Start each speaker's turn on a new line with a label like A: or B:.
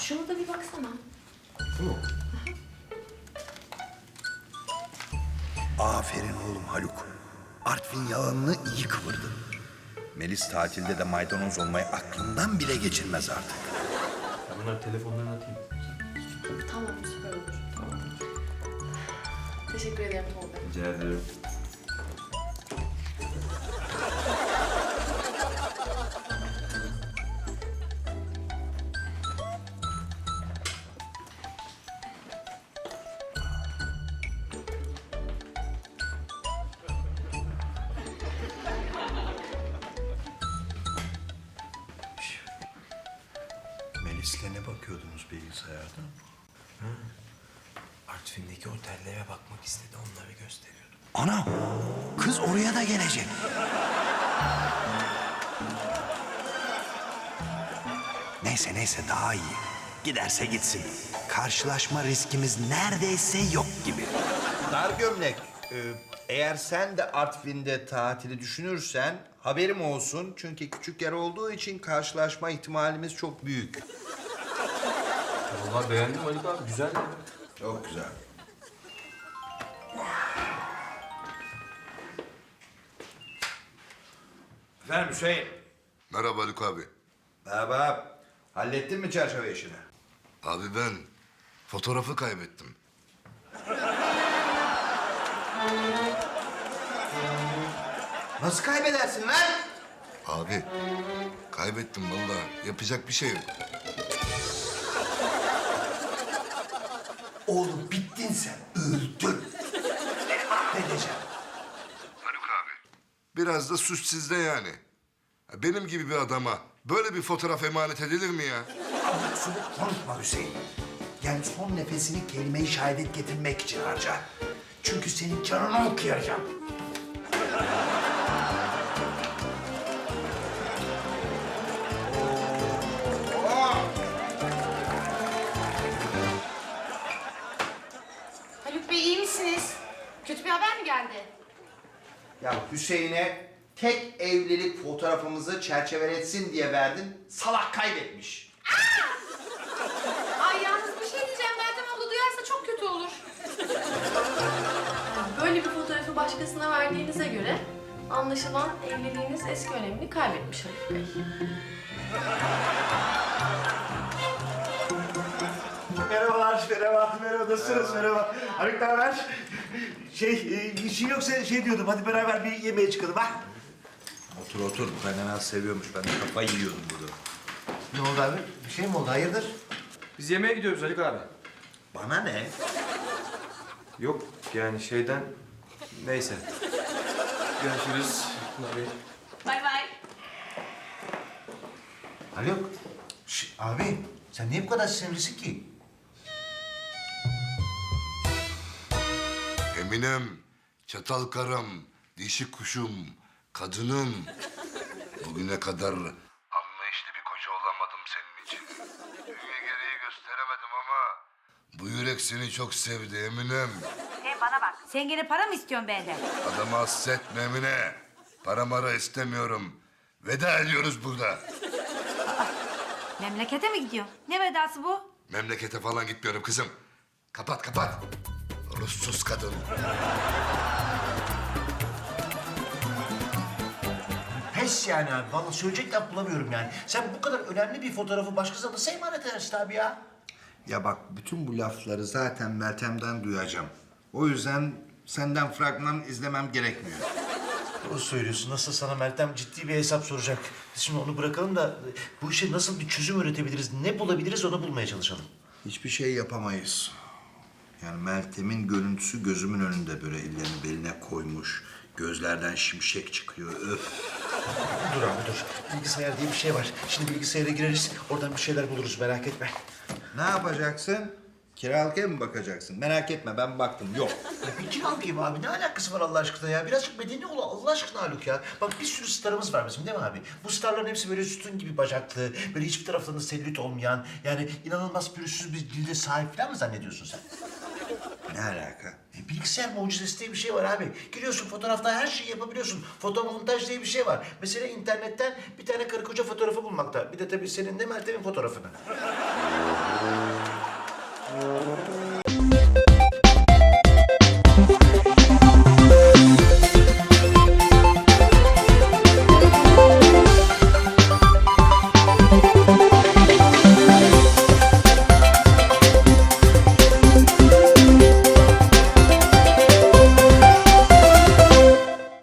A: Şuna da bir baksana.
B: Bu mu?
C: Aferin oğlum Haluk. Artvin yalanını iyi kıvırdın. Melis tatilde de maydanoz olmayı aklından bile geçirmez artık.
B: Ben bunları telefonlarına atayım.
A: Tamam, süper olur. Tamam. Teşekkür ederim Tolga.
B: Rica ederim.
C: Melis'le ne bakıyordunuz bilgisayarda?
D: Artvin'deki otellere bakmak istedi, onları gösteriyordum.
C: Ana! Kız oraya da gelecek. Neyse daha iyi. Giderse gitsin. Karşılaşma riskimiz neredeyse yok gibi.
E: Dar gömlek, eğer sen de Artvin'de tatili düşünürsen haberim olsun. Çünkü küçük yer olduğu için karşılaşma ihtimalimiz çok büyük.
B: Vallahi beğendim Haluk abi. Güzel ya.
E: Çok güzel. Efendim Hüseyin.
F: Merhaba Haluk abi.
E: Merhaba. Hallettin mi çerçeve işini?
F: Abi ben fotoğrafı kaybettim.
E: Nasıl kaybedersin lan?
F: Abi kaybettim vallahi. Yapacak bir şey yok.
C: Oğlum bittin sen. Öldün. Seni mahvedeceğim.
F: Haluk abi. Biraz da suç sizde yani. Benim gibi bir adama böyle bir fotoğraf emanet edilir mi ya?
C: Abuk subuk konuşma Hüseyin. Yani son nefesini kelime-i şehadet getirmek için harca. Çünkü senin canını okuyacağım.
A: Haluk Bey iyi misiniz? Kötü bir haber mi geldi?
E: Ya Hüseyin'e tek evlilik fotoğrafımızı çerçeveletsin diye verdin. Salak kaybetmiş.
A: Ay yalnız bir şey diyeceğim. Meltem abla duyarsa çok kötü olur. Böyle bir fotoğrafı başkasına verdiğinize göre anlaşılan evliliğiniz eski önemini kaybetmiş Haluk Bey.
D: Merhabalar, merhaba. Nasılsınız? Merhaba. Haluk ne haber? Bir şey yoksa diyordum, hadi beraber bir yemeğe çıkalım ha?
E: Otur. Kaynanan seviyormuş. Ben de kafayı yiyordum burada.
D: Ne oldu abi? Bir şey mi oldu? Hayırdır?
B: Biz yemeğe gidiyoruz Haluk abi.
E: Bana ne?
B: Yok yani şeyden... Neyse. Görüşürüz. Abi.
A: Bay bay.
D: Haluk, abi sen niye bu kadar sinirlisin ki?
F: Eminem, çatal karım, dişi kuşum, kadınım. Bugüne kadar anlayışlı bir koca olamadım senin için. Dünya gereği gösteremedim ama bu yürek seni çok sevdi Eminem.
G: Hey bana bak. Sen gene para mı istiyorsun benden?
F: Adamı hassetme Emine. Para mara istemiyorum. Veda ediyoruz burada.
G: Memlekete mi gidiyor? Ne vedası bu?
F: Memlekete falan gitmiyorum kızım. Kapat. Ruhsuz kadın.
D: Pes yani abi. Vallahi söyleyecek laf bulamıyorum yani. Sen bu kadar önemli bir fotoğrafı başkasına nasıl emanet edersin abi ya?
E: Ya bak bütün bu lafları zaten Meltem'den duyacağım. O yüzden senden fragman izlemem gerekmiyor.
D: Doğru söylüyorsun. Nasıl sana Meltem ciddi bir hesap soracak. Biz şimdi onu bırakalım da bu işe nasıl bir çözüm üretebiliriz, ne bulabiliriz onu bulmaya çalışalım.
E: Hiçbir şey yapamayız. Yani Meltem'in görüntüsü gözümün önünde böyle ellerini beline koymuş. Gözlerden şimşek çıkıyor. Öf.
D: Dur abi dur. Bilgisayar diye bir şey var. Şimdi bilgisayara gireriz, oradan bir şeyler buluruz merak etme.
E: Ne yapacaksın? Kiralık ev mi bakacaksın? Merak etme ben baktım. Yok.
D: Ya bir kiralık ev abi ne alakası var Allah aşkına ya? Birazcık medeni ol Allah aşkına Haluk ya. Bak bir sürü starımız var bizim değil mi abi? Bu starların hepsi böyle sütun gibi bacaklı, böyle hiçbir taraflarında selülit olmayan, yani inanılmaz pürüzsüz bir cilde sahip falan mı zannediyorsun sen?
E: Ne alaka?
D: Bilgisayar mucizesi diye bir şey var abi. Giriyorsun fotoğrafta her şeyi yapabiliyorsun. Fotomontaj diye bir şey var. Mesela internetten bir tane karı koca fotoğrafı bulmakta. Bir de tabii senin de Meltem'in fotoğrafını.